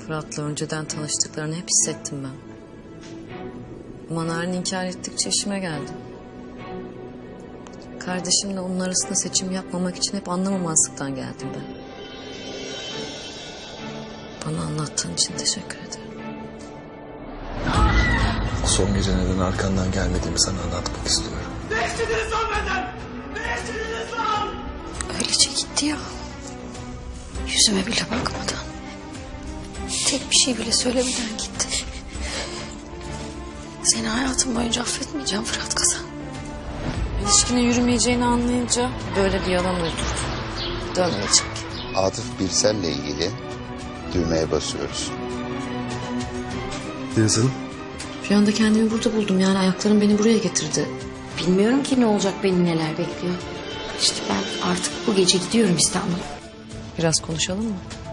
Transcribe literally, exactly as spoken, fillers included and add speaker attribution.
Speaker 1: Fırat'la önceden tanıştıklarını hep hissettim ben. Ama Narin inkar ettikçe işime geldi. Kardeşimle onun arasında seçim yapmamak için hep anlamamazlıktan geldim ben. Bana anlattığın için teşekkür ederim.
Speaker 2: Son gece neden arkandan gelmediğimi sana anlatmak istiyorum.
Speaker 3: Ne istediniz lan benden? Ne istediniz lan?
Speaker 4: Öylece gitti ya. Yüzüme bile bakmadan. Tek bir şey bile söylemeden gitti. Seni hayatım boyunca affetmeyeceğim Fırat Kazan.
Speaker 1: İlişkinin yürümeyeceğini anlayınca böyle bir yalan uydurdu. Dönmeyecek.
Speaker 5: Atıf Birsel'le ilgili düğmeye basıyoruz.
Speaker 2: Yazın.
Speaker 1: Bir anda kendimi burada buldum. Yani ayaklarım beni buraya getirdi.
Speaker 4: Bilmiyorum ki ne olacak, beni neler bekliyor. İşte ben artık bu gece gidiyorum İstanbul'a.
Speaker 1: Biraz konuşalım mı?